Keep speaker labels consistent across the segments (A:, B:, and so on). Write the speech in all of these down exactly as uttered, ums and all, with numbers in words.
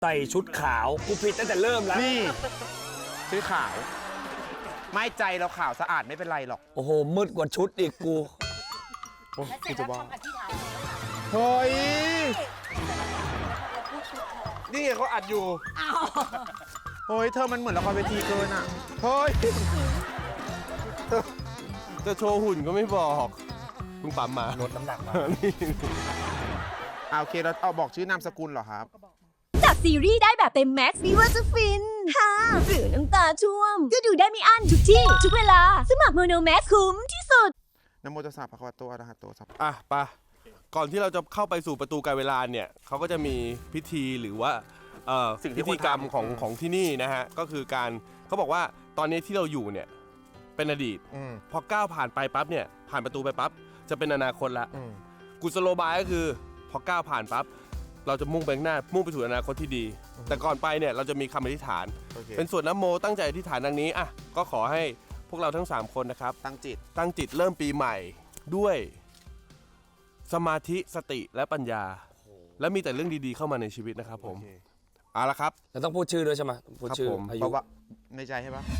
A: ใส่ชุดขาวกูผิดตั้งแต่เริ่มแล้ว
B: นี่ซื้อขาวไม่ใจเราขาวสะอาดไม่เป็นไรหรอก
A: โอ้โหมืดกว่าชุดอีกกู
C: กูจะบอก
B: เฮ้ย
C: นี่เขาอัดอยู่
B: เฮ้ยเธอมันเหมือนละครเวทีเกินอ่ะเฮ้ย
C: จะโชว์หุ่นก็ไม่บอกมึงปั๊มมา
A: ลดน้ำหนักมา
B: อ่าโอเคเราเอาบอกชื่อนามสกุลเหรอครับ
D: จากซีรีส์ได้แบบเต็มแม็กซ์ไม่ว่าจะฟินฮ่าหรือน้ำตาช่วมก็ดูได้ไม่อั้นทุกที่ทุกเวลาสมัครโมโนแม็กซ์คุ้มที่สุด
B: นะโมตัสสะภะคะวะโตอะระหะโตสัมมา
C: อ่ะปะก่อนที่เราจะเข้าไปสู่ประตูการเวลาเนี่ยเขาก็จะมีพิธีหรือว่าพิธีกรรมของของที่นี่นะฮะก็คือการเขาบอกว่าตอนนี้ที่เราอยู่เนี่ยเป็นอดีตพอก้าวผ่านไปปั๊บเนี่ยผ่านประตูไปปั๊บจะเป็นอนาคตละกุศโลบายก็คือพอก้าวผ่านปั๊บเราจะมุ่งไปข้างหน้ามุ่งไปสู่อนาคตที่ดีแต่ก่อนไปเนี่ยเราจะมีคำอธิษฐาน okay. เป็นสวดนะโมตั้งใจอธิษฐานดังนี้อ่ะก็ขอให้พวกเราทั้งสามคนนะครับ
B: ตั้งจิต
C: ตั้งจิตเริ่มปีใหม่ด้วยสมาธิสติและปัญญา oh. และมีแต่เรื่องดีๆเข้ามาในชีวิตนะครับผม okay. เอาละครับ
A: เราต้องพูดชื่อด้วยใช่ไหมพูดชื่อ
B: อายุว่าในใจใช่ปะ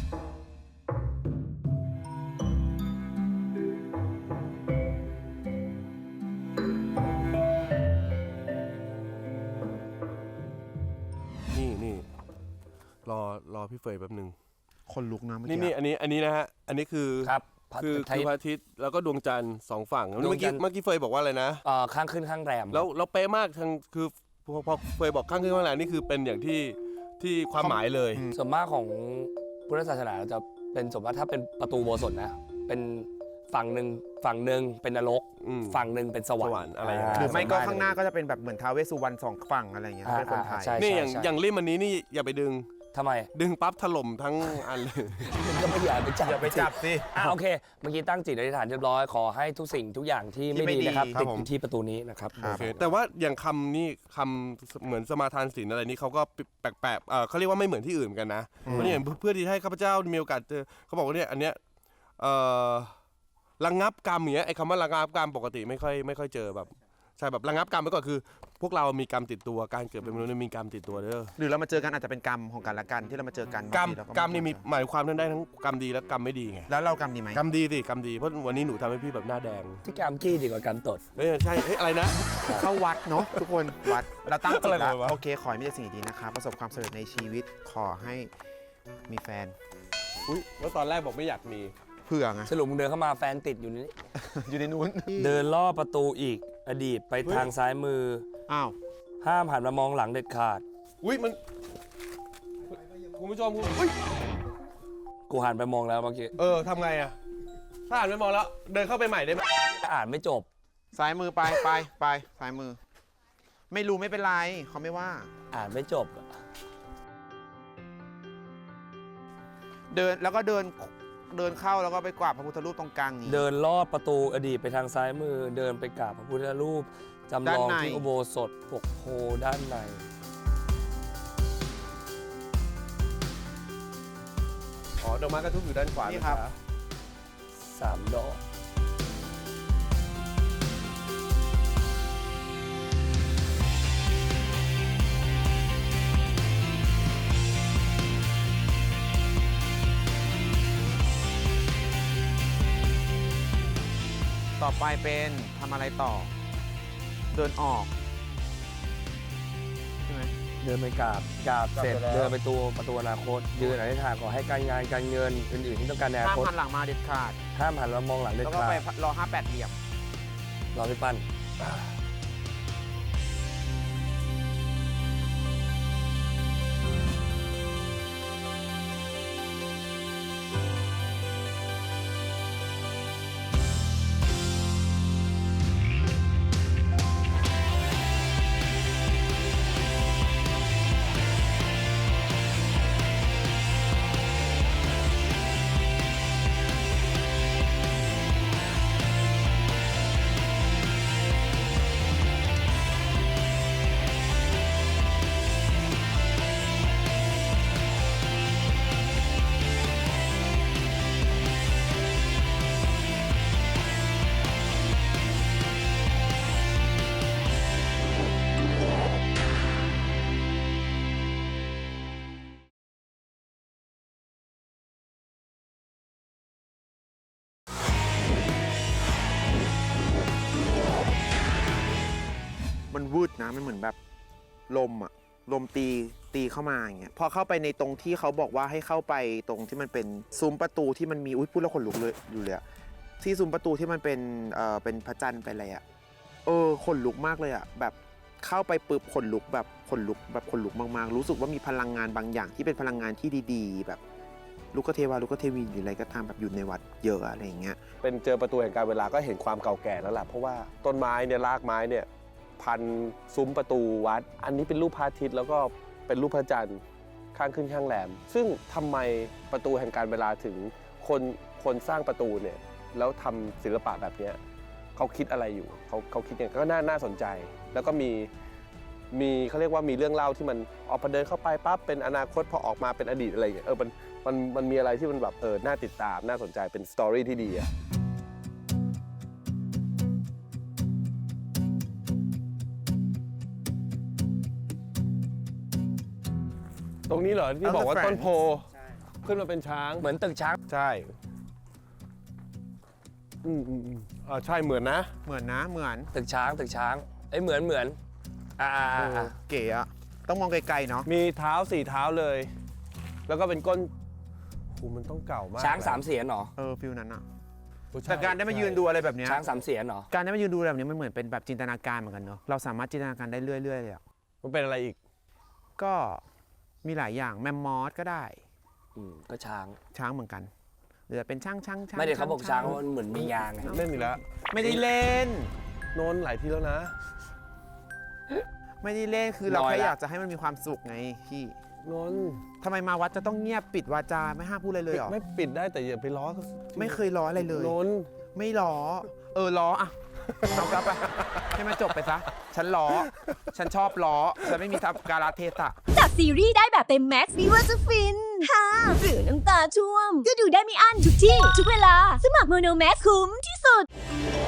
C: รอรอพี่เฟยแป๊บนึง
B: คนลุกนะเมื่อ
C: กี้นี่นี่อันนี้อันนี้นะฮะอันนี้คือ
A: ครับ
C: คือคือพระอาทิตย์แล้วก็ดวงจันทร์สองฝั่งเมื่อกี้เมื่อกี้เฟยบอกว่าอะไรนะ
A: อ่าข้างขึ้นข้างแรม
C: แล้วเราเป๊ะมากทางคือพอเฟยบอกข้างขึ้นข้างแรมนี่คือเป็นอย่างที่ที่ความหมายเลย
A: ส่วนมากของพุทธศาสนาจะเป็นสมมติถ้าเป็นประตูโบสถ์นะเป็นฝั่งหนึ่งฝั่งหนึ่งเป็นนรกฝั่งหนึ่งเป็นสวรรค์
C: อะไร
B: หรือไม่ก็ข้างหน้าก็จะเป็นแบบเหมือนท้าวเวสสุวรรณสองฝั่งอะไรอย่างเงี้ยเป็นคนไทย
C: นี่อย่างอย่างริมอันนี้นี่อย่าไปดึง
A: ทำไม
C: ดึงปั๊บถล่มทั้งอันเลย
A: ก็ไม่อยากไปจับ
B: อย่าไปจับสิ
A: อ่ะโอเคเมื่อกี้ตั้งจิตอธิษฐานเรียบร้อยขอให้ทุกสิ่งทุกอย่างที่ไม่ดีนะครับติดอยู่ที่ประตูนี้นะครับ
C: โอเคแต่ว่าอย่างคำนี่คำเหมือนสมาทานศีลอะไรนี่เขาก็แปลกๆเออเขาเรียกว่าไม่เหมือนที่อื่นกันนะเพราะนี่เพื่อที่ให้ข้าพเจ้ามีโอกาสเจอเขาบอกว่าเนี่ยอันเนี้ยเอ่อระงับกรรมอย่างเงี้ยไอ้คำว่าระงับกรรมปกติไม่ค่อยไม่ค่อยเจอแบบใช่แบบระงับกรรมไปก่อนคือพวกเรามีกรรมติดตัวการเกิดเป็นมนุษย์มีกรรมติดตัวเด้อ
B: หรือเรามาเจอกันอาจจะเป็นกรรมของกันและกันที่เรามาเจอกัน
C: กรรมกรรมนี่มีหมายความทั้งได้ทั้งกรรมดีและกรรมไม่ดีไง
B: แล้วเรากรรมดีไหม
C: กรรมดีสิกรรมดีเพราะวันนี้หนูทำให้พี่แบบหน้าแดง
A: ที่กรรมขี้ดีกว่ากรรมตด
C: เฮ้ยใช่เฮ้ยอะไรนะ
B: เข้าวัดเนาะทุกคนวัดเราตั้งจิตแล้วโอเคขอให้มีแต่สิ่งดีนะครับประสบความสำเร็จในชีวิตขอให้มีแฟน
C: อุ้ยแล้วตอนแรกบอกไม่อยากมี
B: เผื่อไง
A: สรุปมึงเดินเข้ามาแฟนติดอยู่นี่
B: อยู่ในนู้น
A: เดินล่อประตูอีกอดีตไปทางซ้ายมือ
B: อ้าว
A: ห้ามหันมามองหลังเด็ดขาด
C: อุ้ยมันคุณผู้ชมอุ้ย
A: กูหันไปมองแล้วเมื่อกี้
C: เออทำไงอะถ้าหันไปมองแล้วเดินเข้าไปใหม่ได้ไหม
A: อ่านไม่จบ
B: ซ้ายมือไปไปไปซ้ายมือไม่รู้ไม่เป็นไรเขาไม่ว่า
A: อ่านไม่จบ
B: เดินแล้วก็เดินเดินเข้าแล้วก็ไปกราบพระพุทธรูปตรงกลางนี้
A: เดินลอดประตูอดีตไปทางซ้ายมือเดินไปกราบพระพุทธรูปจำลองที่อุโบสถปกโพด้านใน
C: อ๋อดอกไม้กระทุบอยู่ด้านขวา
B: นี่ครับ
A: สามดอก
B: ต่อไปเป็นทำอะไรต่อเดินออกใช่ไหม
A: เดินไปกราบกราบเสร็จเดินไปตัวประตูอนาคตยืนอธิษฐานขอให้การงานการเงินอื่นๆที่ต้องการในอนาคต
B: ห้ามหันหลังมาเด็ดขาด
A: ห้ามหันมามองหลังเด็ดขาด
B: แล้วก็ไปรอห้าแปดเหลี่ยม
A: รอพี่ปั้น
B: มันวืดนะมันเหมือนแบบลมอะลมตีตีเข้ามาอย่างเงี้ยพอเข้าไปในตรงที่เขาบอกว่าให้เข้าไปตรงที่มันเป็นซุ้มประตูที่มันมีอุ้ยพูดแล้วขนลุกเลยอยู่เลยอะที่ซุ้มประตูที่มันเป็นเอ่อเป็นพระจันทร์ไปเลยอะเออขนลุกมากเลยอะแบบเข้าไปปุ๊บขนลุกแบบขนลุกแบบขนลุกมากๆรู้สึกว่ามีพลังงานบางอย่างที่เป็นพลังงานที่ดีๆ แบบลูกเทวาลูกเทวีหรืออะไรก็ตามแบบอยู่ในวัดเยอะอะไรอย่างเงี้ย
C: เป็นเจอประตูแห่งการเวลาก็เห็นความเก่าแก่แล้วแหละเพราะว่าต้นไม้เนี่ยรากไม้เนี่ยพันซุ้มประตูวัด อันนี้เป็นรูปพระอาทิตย์แล้วก็เป็นรูปพระจันทร์ข้างขึ้นข้างแหลม ซึ่งทำไมประตูแห่งการเวลาถึงคนคนสร้างประตูเนี่ยแล้วทำศิลปะแบบเนี้ยเขาคิดอะไรอยู่เขาเขาคิดอย่างก็น่าน่าสนใจ แล้วก็มีมีเขาเรียกว่ามีเรื่องเล่าที่มันออกพอเดินเข้าไปปั๊บเป็นอนาคตพอออกมาเป็นอดีตอะไรอย่างเงี้ยเออมันมันมันมีอะไรที่มันแบบเออน่าติดตามน่าสนใจเป็นสตอรี่ที่ดีอะตรงนี้เหรอที่บอกว่าต้นโพขึ้นมาเป็นช้าง
A: เหมือนตึกช้าง
C: ใช่อืมอืมอืมอ่าใช่เหมือนนะ
B: เหมือนนะเหมือน
A: ตึกช้างตึกช้างเอ้ยเหมือนเหมือนอ่าอ่าอ่าอ่า
B: เก๋อะต้องมองไกลๆเนาะ
C: มีเท้าสี่เท้าเลย แล้วก็เป็นก้นโหมันต้องเก่ามาก
A: ช้างสามเสียนเหรอ
B: เออฟิลนั้นอะ
C: โอ้ใช่
B: แต่การได้มายืนดูอะไรแบบเนี้ย
A: ช้างสามเสียนเหรอ
B: การได้มายืนดูแบบนี้มันเหมือนเป็นแบบจินตนาการเหมือนกันเนาะเราสามารถจินตนาการได้เรื่อยๆเลยอะ
C: มันเป็นอะไรอีก
B: ก็มีหลายอย่างแมมมอสก็ได้
A: อืมก็ช้าง
B: ช้างเหมือนกันหรือเป็นช่างช่างช่าง
A: ไม่ได้เขาบอกช้างว่ามันเหมือนมียางไง
C: เล่นอีกแล้ว
B: ไม่ได้เล่น
C: โนนหลายทีแล้วนะ
B: ไม่ได้เล่นคือเราแค่อยากจะให้มันมีความสุขไงพี่
C: โนน
B: ทำไมมาวัดจะต้องเงียบปิดวาจาไม่ห้ามพูดอะไรเลยเหรอ
C: ไม่ปิดได้แต่อย่าไปล้อเขา
B: ไม่เคยล้ออะไรเลย
C: โนน
B: ไม่ล้อ เออล้ออะเอากลับไปให้มันจบไปซะ ฉันล้อ ฉันชอบล้อ ฉันไม่มีทับการาเทศะ
D: จากซีรีส์ได้แบบเต็มแม็กซ์ไม่ว่าจะฟินฮ่าหรือน้ำตาช่วม ก็ดูได้ไม่อั้นทุกที่ ทุกเวลา สมัครโมโนแม็กคุ้มที่สุด